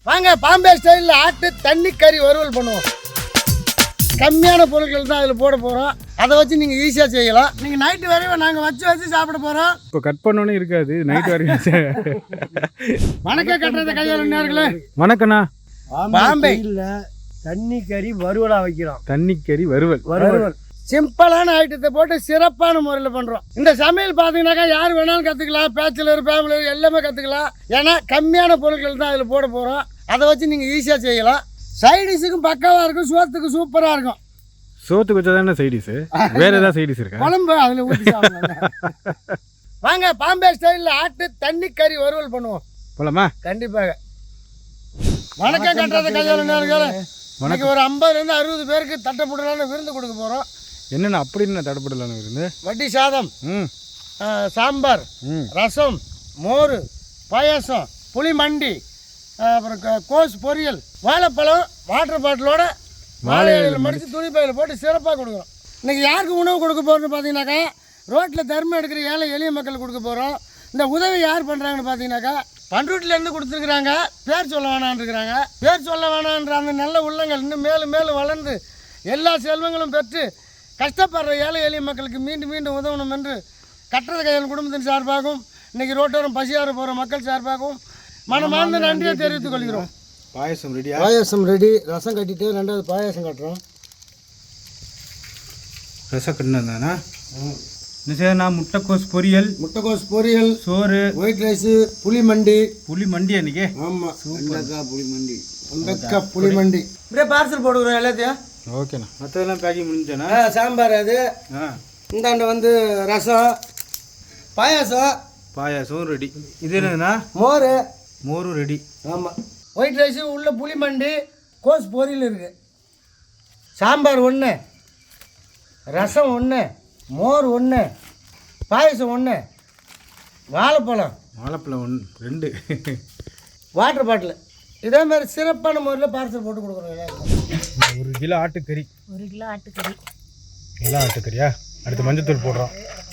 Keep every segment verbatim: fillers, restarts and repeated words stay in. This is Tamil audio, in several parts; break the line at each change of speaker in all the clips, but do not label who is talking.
வாங்க பாம்பே ஸ்டைலில் ஆட்டு தண்ணி கறி வறுவல் பண்ணுவோம். கம்மியான பொருட்கள் தான் அதில் போட போகிறோம். அதை வச்சு நீங்கள் ஈஸியாக செய்யலாம். நீங்கள் நைட்டு வரையும் நாங்கள் வச்சு வச்சு சாப்பிட போகிறோம்.
இப்போ கட் பண்ணோன்னே இருக்காது, நைட்டு வரைக்கும்.
வணக்கம் கட்டுறத கையால் நேர்களே.
வணக்கண்ணா.
பாம்பே
இல்லை தண்ணி கறி வறுவலாக வைக்கிறோம்.
தண்ணி கறி வறுவல்
வறுவல்
சிம்பிளான ஐட்டத்தை போட்டு சிறப்பான முறையில் பண்ணுறோம். இந்த சமையல் பார்த்தீங்கன்னாக்கா யார் வேணாலும் கற்றுக்கலாம். பேச்சுலர் ஃபேமிலி எல்லாமே கற்றுக்கலாம். ஏன்னா கம்மியான பொருட்கள் தான் அதில் போட போகிறோம். அதை வச்சு நீங்கள் ஈஸியாக செய்யலாம். சைடிஷுக்கும் பக்காவாக இருக்கும், சோத்துக்கு சூப்பராக இருக்கும்.
சோத்துக்கு வச்சா தானே சைடிஷு, வேற ஏதாவது சைடிஷ் இருக்கா?
குழம்பு அதில் ஊற்றி சாப்பிடலாம். வாங்க பாம்பே ஸ்டைலில் ஆட்டு தண்ணி கறி வறுவல் பண்ணுவோம்.
போலாமா?
கண்டிப்பாக. வணக்கம் கட்டுறத கையால் நேர்களே. வணக்கம். ஒரு ஐம்பதுலேருந்து அறுபது பேருக்கு தட்டப்படலான்னு விருந்து கொடுக்க போகிறோம்.
என்னென்ன அப்படின்னு தடப்படலான்னு விருந்து?
வட்டி சாதம்,
ம்
சாம்பார்,
ம்
ரசம், மோர், பாயாசம், புளி மண்டி, அப்புறம் கோஸ் பொரியல், வாழைப்பழம், வாட்டர் பாட்டிலோட வாழை இலையில் மடித்து துணி பையில் போட்டு சிறப்பாக கொடுக்குறோம். இன்றைக்கி யாருக்கு உணவு கொடுக்க போகிறோன்னு பார்த்தீங்கன்னாக்கா ரோட்டில் தர்மம் எடுக்கிற ஏழை எளிய மக்கள் கொடுக்க போகிறோம். இந்த உதவி யார் பண்ணுறாங்கன்னு பார்த்தீங்கன்னாக்கா பண்ருட்டிலேருந்து கொடுத்துருக்குறாங்க. பேர் சொல்ல வேணான்னு இருக்கிறாங்க. பேர் சொல்ல வேணான்ற அந்த நல்ல உள்ளங்கள் இன்னும் மேலும் மேலும் வளர்ந்து எல்லா செல்வங்களும் பெற்று கஷ்டப்படுற ஏழை எளிய மக்களுக்கு மீண்டும் மீண்டும் உதவணும் என்று கட்டுறது கையால் குடும்பத்தின் சார்பாகவும் இன்றைக்கி ரோட்டோரம் பசியார போகிற மக்கள் சார்பாகவும் மனமார்ந்த நன்றியை தெரிவித்துக் கொள்கிறோம்.
பாயசம் ரெடியா?
பாயாசம் ரெடி. ரசம் கட்டிட்டு ரெண்டாவது பாயாசம் கட்டுறோம்.
ரசம் கட்டினா என்ன செய்யணா? முட்டைக்கோஸ் பொரியல்,
முட்டைக்கோஸ் பொரியல், சோறு, ஒயிட் ரைஸு, புளி மண்டி.
புளி மண்டி அன்றைக்கி?
ஆமாம், வெண்டைக்காய் புளி மண்டி. வெண்டைக்காய் புளி மண்டி. இப்படியே பார்சல் போட்டுக்கிறோம் எல்லாத்தையும்.
ஓகேண்ணா. மற்றதெல்லாம் பேக்கிங் முடிஞ்சேண்ணா?
ஆ, சாம்பார் அது.
ஆ,
இந்தாண்ட வந்து ரசம், பாயாசம்,
பாயாசம் ரெடி. இது என்னதுண்ணா?
மோர்,
மோரும் ரெடி.
ஆமாம், ஒயிட் ரைஸு, உள்ள புளி மண்டி, கோஸ் பொரியல் இருக்குது. சாம்பார் ஒன்று, ரசம் ஒன்று, மோர் ஒன்று, பாயசம் ஒன்று, வாழைப்பழம்
வாழைப்பழம் ஒன்று ரெண்டு,
வாட்டர் பாட்டில். இதே மாதிரி சிறப்பான முறையில் பார்சல் போட்டு கொடுக்குறோம் எல்லாருக்கும்.
ஒரு கிலோ ஆட்டுக்கறி.
ஒரு கிலோ ஆட்டுக்கறி.
கிலோ ஆட்டுக்கறியா? அடுத்து மஞ்சத்தூள் போடுறோம்.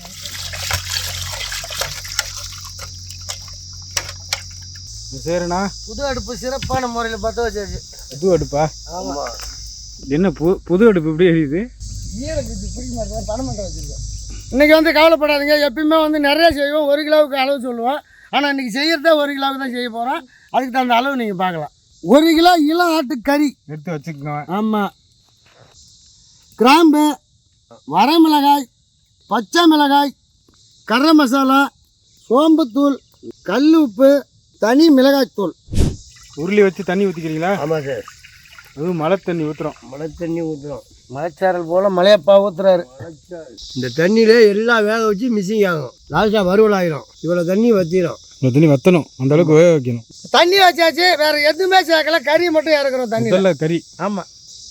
சரிண்ணா.
புது அடுப்பு சிறப்பான முறையில் பற்ற வச்சாச்சு.
புது அடுப்பா?
ஆமாம்.
என்ன பு புது அடுப்பு இப்படி எரியுது?
பணம் மட்டும் வச்சுருக்கோம். இன்றைக்கி வந்து கவலைப்படாதீங்க. எப்பயுமே வந்து நிறையா செய்வோம். ஒரு கிலோவுக்கு அளவு சொல்லுவோம். ஆனால் இன்றைக்கி செய்கிறதே ஒரு கிலோவுக்கு தான் செய்ய போகிறோம். அதுக்கு தகுந்த அளவு நீங்கள் பார்க்கலாம். ஒரு கிலோ இளம் ஆட்டுக்கறி
எடுத்து வச்சுக்கோங்க.
ஆமாம். கிராம்பு, வரமிளகாய், பச்சை மிளகாய், கரம் மசாலா, சோம்புத்தூள், கல் உப்பு, தனி மிளகாய்த்தூள்.
உருளி வச்சு தண்ணி ஊற்றிக்கிறீங்களா?
ஆமாம் சார்.
அதுவும் மழை தண்ணி ஊற்றுறோம்.
மழை தண்ணி ஊற்றுறோம். மலைச்சாரல் போல் மலையப்பா ஊற்றுறாரு.
இந்த தண்ணியிலே எல்லாம் வேக வச்சு மிஸ்ஸிங் ஆகும். லாஸ்ட்டாக வறுவல் ஆகிடும். இவ்வளோ தண்ணி வற்றிடும்.
இந்த தண்ணி வற்றணும், அந்த அளவுக்கு வேக வைக்கணும்.
தண்ணி வச்சாச்சு, வேற எதுவுமே சேர்க்கல. கறி மட்டும் இறக்குறோம் தண்ணி.
முதல்ல கறி.
ஆமாம்.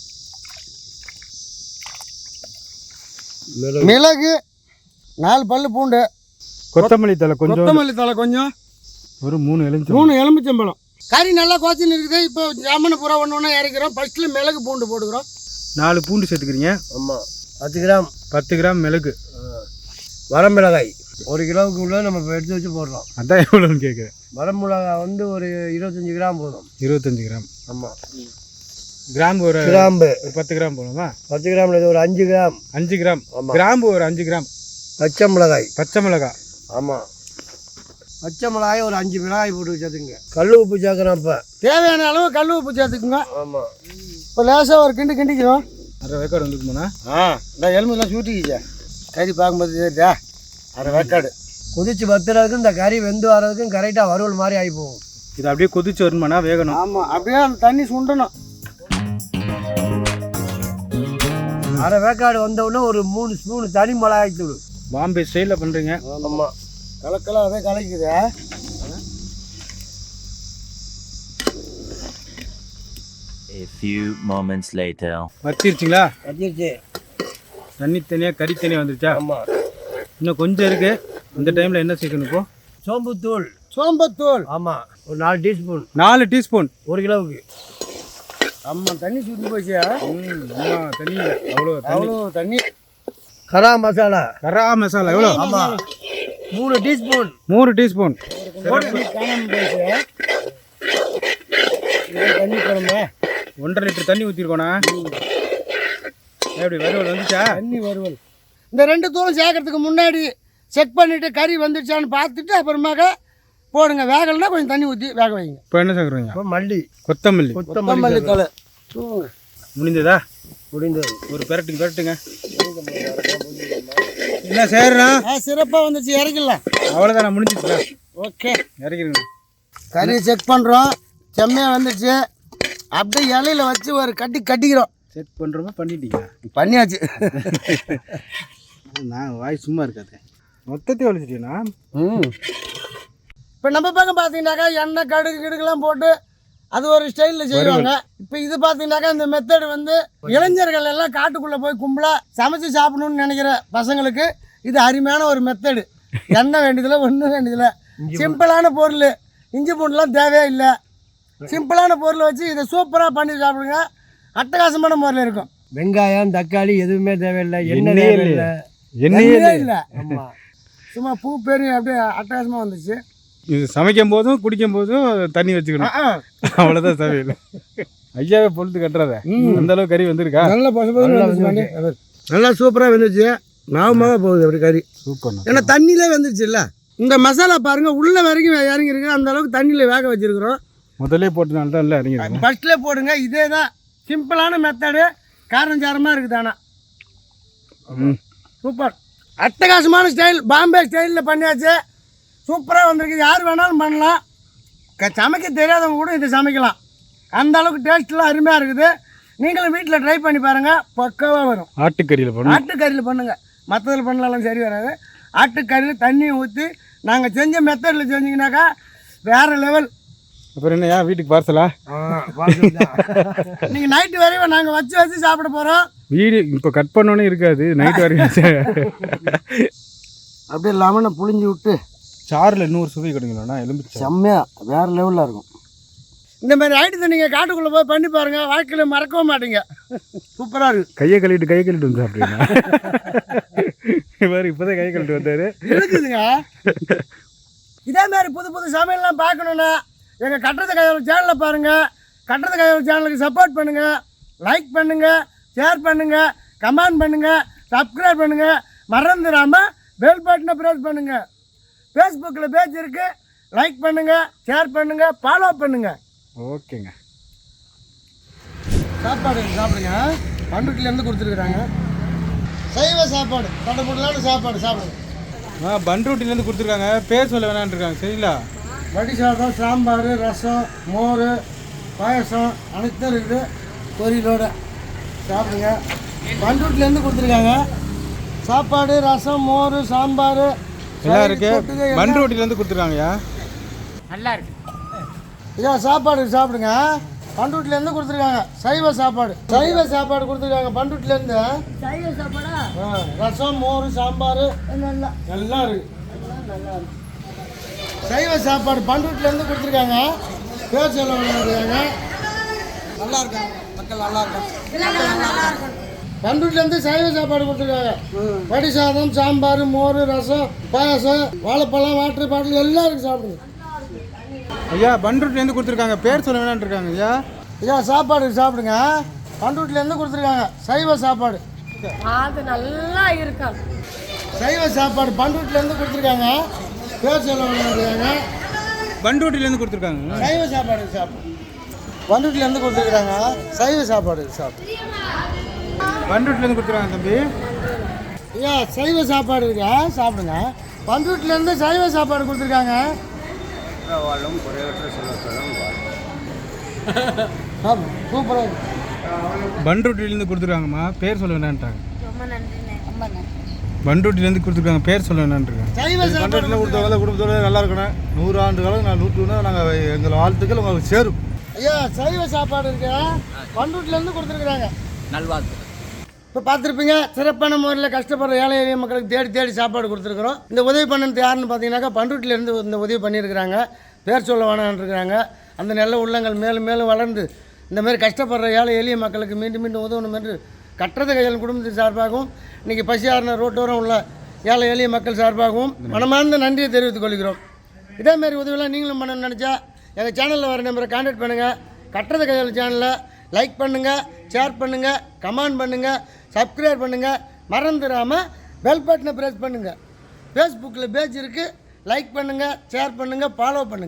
மிளகு, நாலு பல்லு பூண்டு,
கொத்தமல்லி தலை கொஞ்சம்,
கொத்தமல்லி தலை கொஞ்சம்,
ஒரு மூணு எலுமிச்சம்
மூணு எலுமிச்சம்பழம். கறி நல்லா கோச்சின்னு இருக்குது. இப்போ ஜாமனு பூரா ஒன்று ஒன்றா இறக்கிறோம். ஃபஸ்ட்டில் மிளகு பூண்டு போட்டுக்கிறோம்.
நாலு பூண்டு சேர்த்துக்கிறீங்க.
ஆமாம், பத்து கிராம்.
பத்து கிராம் மிளகு.
வரமிளகாய் ஒரு கிலோவுக்கு உள்ள நம்ம இப்போ எடுத்து வச்சு போடுறோம்.
அதான் எவ்வளோன்னு கேட்குறேன்.
வரமிளகாய் வந்து ஒரு இருபத்தஞ்சி கிராம் போதும்.
இருபத்தஞ்சி கிராம்.
ஆமாம்.
கிராம்பு ஒரு
கிராம்பு
ஒரு பத்து கிராம் போடுமா?
பத்து கிராமில் இது ஒரு அஞ்சு கிராம்.
அஞ்சு கிராம்.
ஆமாம்.
கிராம்பு ஒரு அஞ்சு கிராம்.
பச்சை மிளகாய்.
பச்சை மிளகாய்.
ஆமாம், பச்சை மிளகாய் ஒரு அஞ்சு மிளகாய் போட்டு வச்சுங்க. கல் உப்பு சேர்க்குறோம். இப்போ
தேவையான அளவு கல் உப்பு சேர்த்துக்குங்க.
ஆமாம்.
இப்போ லேசாக ஒரு கிண்டு கிண்டிக்கிறோம்.
அரை வேக்காடு வந்துக்குமாண்ணா?
ஆ, இந்த எலும்புலாம் சூட்டிக்கிச்சா கறி பார்க்கும்போது சரிதா? அரை வேக்காடு.
கொதிச்சு வத்துறதுக்கும் இந்த கறி வெந்து வர்றதுக்கும் கரெக்டாக வறுவல் மாதிரி ஆகி போகும்.
இது அப்படியே கொதிச்சு வருமாண்ணா? வேகணும்.
ஆமாம், அப்படியே அந்த தண்ணி சுண்டணும்.
அரை வேக்காடு வந்தவுடனே ஒரு மூணு ஸ்பூன் தனி மிளகாய் தூள்.
பாம்பே ஸ்டைலில் பண்ணுறீங்க.
ஆமாம்,
கலக்கெல்லாம் அதே கலக்குது.
A few moments later.
வத்திருச்சிங்களா?
வச்சிருச்சு.
தண்ணி தனியாக கறி தனியாக வந்துருச்சா?
ஆமாம்.
இன்னும் கொஞ்சம் இருக்குது. இந்த டைமில் என்ன சேர்க்கணும் இப்போ?
சோம்புத்தூள்.
சோம்பத்தூள்.
ஆமாம், ஒரு நாலு டீஸ்பூன்.
நாலு டீஸ்பூன்
ஒரு கிலோவுக்கு.
ஆமாம், தண்ணி சுண்டி போச்சு.
ம் ஆமாம், தண்ணி இல்லை அவ்வளோ
அவ்வளோ தண்ணி.
கரா மசாலா.
கரா மசாலா எவ்வளோ?
ஆமாம், மூணு டீஸ்பூன்.
மூணு டீஸ்பூன்.
காணாமல் போச்சு. தண்ணி குழம்பு
ஒன்றரை லிட்டர் தண்ணி ஊற்றிருக்கோண்ணா. எப்படி வறுவல் வந்துச்சா?
தண்ணி வறுவல். இந்த ரெண்டு தூரம் சேர்க்கறதுக்கு முன்னாடி செக் பண்ணிவிட்டு கறி வந்துடுச்சான்னு பார்த்துட்டு அப்புறமாக போடுங்க. வேகலைன்னா கொஞ்சம் தண்ணி ஊற்றி வேக வைங்க.
இப்போ என்ன சேர்க்குறீங்க?
இப்போ மல்லி
கொத்தமல்லி.
கொத்தமல்லி தலை
முடிந்ததா?
முடிந்தது.
ஒரு பெரட்டுங்க பெரட்டுங்க. என்ன செய்யறா?
ஆ சிறப்பாக வந்துச்சு, இறக்கிடலாம்.
அவ்வளோதான், நான் முடிஞ்சிச்சுடா.
ஓகே,
இறக்கிடுங்க.
கறி செக் பண்ணுறோம். செம்மையாக வந்துச்சு. அப்படியே இலையில வச்சு ஒரு கட்டி கட்டிக்கிறோம்.
செக் பண்ணுறோமா? பண்ணிட்டீங்க?
பண்ணியாச்சு.
நான் வாய் சும்மா இருக்காது. மொத்தத்தையும் வலிச்சிட்டீங்கன்னா
ம் இப்போ நம்ம பக்கம் பார்த்தீங்கன்னாக்கா எண்ணெய் கடுகு கிடுகுலாம் போட்டு அது ஒரு ஸ்டைலில் செய்வாங்க. இப்போ இது பார்த்தீங்கன்னாக்கா இந்த மெத்தடு வந்து இளைஞர்கள் எல்லாம் காட்டுக்குள்ளே போய் கும்பலாக சமைச்சு சாப்பிடணும்னு நினைக்கிற பசங்களுக்கு இது அருமையான ஒரு மெத்தடு. எண்ணெய் வேண்டியதில்லை, ஒன்றும் வேண்டியதில்லை. சிம்பிளான பொருள், இஞ்சி பூண்டுலாம் தேவையே இல்லை. சிம்பிளான பொருளை வச்சு இதை சூப்பராக பண்ணி சாப்பிடுங்க. அட்டகாசமான முறையில் இருக்கும்.
வெங்காயம் தக்காளி எதுவுமே தேவையில்லை. எண்ணெய் தேவையில்லை.
எண்ணெயே இல்லை. ஆமாம், சும்மா பூ பெரிய அப்படியே அட்டகாசமாக வந்துச்சு.
இது சமைக்கும் போதும் குடிக்கும் போதும் தண்ணி வச்சுக்கணும், அவ்வளோதான் சமையல். ஐயாவே பொழுது கட்டுறத அந்த அளவுக்கு கறி வந்துருக்கா?
நல்ல பசங்க நல்லா சூப்பராக வந்துச்சு. ஞாபகமாக போகுது அப்படி கறி.
சூப்பர்.
ஏன்னா தண்ணியிலே வந்துருச்சு இல்லை. இந்த மசாலா பாருங்கள் உள்ள வரைக்கும் இறங்கி இருக்கு. அந்த அளவுக்கு தண்ணியில் வேக வச்சுருக்குறோம்.
முதல்ல போட்டனால தான் இல்லை இறங்கிடுங்க.
ஃபஸ்ட்லேயே போடுங்க. இதே தான் சிம்பிளான மெத்தடு. காரம் சாரமாக இருக்குது. ஆனால்
ம்
சூப்பர், அட்டகாசமான ஸ்டைல். பாம்பே ஸ்டைலில் பண்ணியாச்சு. சூப்பராக வந்திருக்கு. யார் வேணாலும் பண்ணலாம். க சமைக்க தெரியாதவங்க கூட இதை சமைக்கலாம். அந்த அளவுக்கு டேஸ்ட்லாம் அருமையாக இருக்குது. நீங்களும் வீட்டில் ட்ரை பண்ணி பாருங்கள், பக்காவாக வரும்.
ஆட்டுக்கறியில் பண்ணுங்க.
ஆட்டுக்கறியில் பண்ணுங்கள், மற்றதில் பண்ணலாம் சரி வராது. ஆட்டுக்கறியில் தண்ணியை ஊற்றி நாங்கள் செஞ்ச மெத்தடில் செஞ்சிங்கனாக்கா வேறு லெவல்.
அப்புறம் என்னையா வீட்டுக்கு பார்சலா?
நீங்கள் நைட்டு வரையும் நாங்கள் வச்சு வச்சு சாப்பிட போகிறோம்.
வீடு இப்போ கட் பண்ணோன்னே இருக்காது, நைட்டு வரைக்கும்
அப்படியே லெமனை புளிஞ்சு விட்டு
சாறில் இன்னொரு சுவை கிடைக்கலண்ணா. எலும்பு
செம்மையாக வேறு லெவலில் இருக்கும். இந்த மாதிரி ஐட்டத்தை நீங்கள் காட்டுக்குள்ளே போய் பண்ணி பாருங்கள், வாழ்க்கையில் மறக்கவும் மாட்டீங்க. சூப்பராக இருக்குது.
கையை கழுவிட்டு கையை கழுவிட்டு வந்து சாப்பிடுங்க. இவர் இப்போதான் கையை கழுவிட்டு வந்தார்.
இருக்குதுங்க. இதே மாதிரி புது புது சமையல்லாம் பார்க்கணுன்னா எங்கள் கட்டுறது கையாளர் சேனலை பாருங்கள். கட்டுறது கையாளர் சேனலுக்கு சப்போர்ட் பண்ணுங்கள், லைக் பண்ணுங்கள், ஷேர் பண்ணுங்கள், கமெண்ட் பண்ணுங்கள், சப்ஸ்கிரைப் பண்ணுங்கள். மறந்துடாமல் பெல் பட்டனை ப்ரெஸ் பண்ணுங்கள். ஃபேஸ்புக்கில் பேஜ் இருக்குது, லைக் பண்ணுங்கள், ஷேர் பண்ணுங்கள், ஃபாலோ பண்ணுங்கள்.
ஓகேங்க.
சாப்பாடு சாப்பிடுங்க. பண்ருட்டிலேருந்து கொடுத்துருக்குறாங்க சைவ சாப்பாடு. தடப்படலான சாப்பாடு சாப்பிடுங்க.
ஆ பண்ருட்டிலேருந்து கொடுத்துருக்காங்க. பேர் சொல்ல வேணான்னு இருக்காங்க. சரிங்களா?
வடி சாதம், சாம்பார், ரசம், மோர், பாயசம் அனைத்தும் இருக்குது. பொரியலோட சாப்பிடுங்க. பண்ருட்டிலேருந்து கொடுத்துருக்காங்க சாப்பாடு, ரசம், மோர், சாம்பார்
எல்லாம் இருக்கு. பண்ருட்டிலேருந்து கொடுத்துருக்காங்கய்யா.
நல்லா இருக்கு
ஐயா. சாப்பாடு சாப்பிடுங்க. பண்ருட்டிலேருந்து கொடுத்துருக்காங்க சைவ சாப்பாடு. சைவ சாப்பாடு கொடுத்துருக்காங்க பண்ருட்டிலேருந்து.
சைவ சாப்பாடா?
ரசம், மோர், சாம்பார் எல்லாம் எல்லாம் இருக்கு. சைவ சாப்பாடு பண்ருட்டிலேருந்து கொடுத்துருக்காங்க. பேர் சொல்ல இருக்காங்க. நல்லா இருக்காங்க மக்கள், நல்லா இருக்காங்க. பண்ருட்டிலேருந்து சைவ சாப்பாடு கொடுத்துருக்காங்க. வடி சாதம், சாம்பார், மோர், ரசம், பாயசம், வாழைப்பழம், வாட்டர் பாட்டில் எல்லாம் இருக்குது. சாப்பிடுங்க
ஐயா. பண்ருட்டிலேருந்து கொடுத்துருக்காங்க. பேர் சொல்ல வேணான்னு இருக்காங்க ஐயா.
ஐயா சாப்பாடு சாப்பிடுங்க. பண்ருட்டிலேருந்து கொடுத்துருக்காங்க சைவ சாப்பாடு.
அது நல்லா இருக்கும்.
சைவ சாப்பாடு பண்ருட்டிலேருந்து கொடுத்துருக்காங்க. பேர் சொல்ல இருக்காங்க.
பண்ருட்டிலேருந்து கொடுத்துருக்காங்க
சைவ சாப்பாடு சாப்பிடு. பண்ருட்டிலேருந்து கொடுத்துருக்காங்க சைவ சாப்பாடு சாப்பிடு.
பண்ருட்டிலேருந்து கொடுத்துருக்காங்க தம்பி.
ஐயா சைவ சாப்பாடு இருக்கா சாப்பிடுங்க. பண்ருட்டிலேருந்து சைவ சாப்பாடு கொடுத்துருக்காங்க. சூப்பராக இருக்கு.
பண்ருட்டிலேருந்து கொடுத்துருக்காங்கம்மா. பேர் சொல்ல வேணான்ட்டாங்க.
ரொம்ப நன்றிண்ணே, ரொம்ப நன்றி.
பண்ருட்டிலேருந்து கொடுத்துருக்காங்க. பேர் சொல்ல வேணான்ருக்காங்க.
சைவ சாப்பாடு
கொடுத்தவங்க குடும்பத்தோட நல்லா இருக்கணும். நூறு ஆண்டு காலம் நான் நூற்று ஒன்று நாங்கள் எங்கள் வாழ்த்துக்கள் உங்களுக்கு சேரும்.
ஐயா சைவ சாப்பாடு இருக்கு. பண்ருட்டிலேருந்து கொடுத்துருக்குறாங்க.
நல்வாழ்த்து.
இப்போ பார்த்துருப்பீங்க, சிறப்பான முறையில் கஷ்டப்படுற ஏழை எளிய மக்களுக்கு தேடி தேடி சாப்பாடு கொடுத்துருக்குறோம். இந்த உதவி பண்ணது யாருன்னு பார்த்தீங்கன்னாக்கா பண்ருட்டிலேருந்து இந்த உதவி பண்ணியிருக்கிறாங்க. பேர் சொல்ல வேணான்ருக்கிறாங்க. அந்த நல்ல உள்ளங்கள் மேலும் மேலும் வளர்ந்து இந்த மாதிரி கஷ்டப்படுற ஏழை எளிய மக்களுக்கு மீண்டும் மீண்டும் உதவணும் என்று கட்டுறது கையாளர் குடும்பத்தின் சார்பாகவும் இன்றைக்கி பசியாரின ரோட்டோரம் உள்ள ஏழை எளிய மக்கள் சார்பாகவும் மனமார்ந்த நன்றியை தெரிவித்துக் கொள்கிறோம். இதேமாரி உதவியெல்லாம் நீங்களும் பண்ணணும்னு நினச்சா எங்கள் சேனலில் வர நம்பரை கான்டாக்ட் பண்ணுங்கள். கட்டுறது கையால் சேனலை லைக் பண்ணுங்கள், ஷேர் பண்ணுங்கள், கமெண்ட் பண்ணுங்கள், சப்ஸ்கிரைப் பண்ணுங்கள். மறந்துடாமல் பெல் பட்டனை ப்ரெஸ் பண்ணுங்கள். ஃபேஸ்புக்கில் பேஜ் இருக்குது, லைக் பண்ணுங்கள், ஷேர் பண்ணுங்கள், ஃபாலோ பண்ணுங்கள்.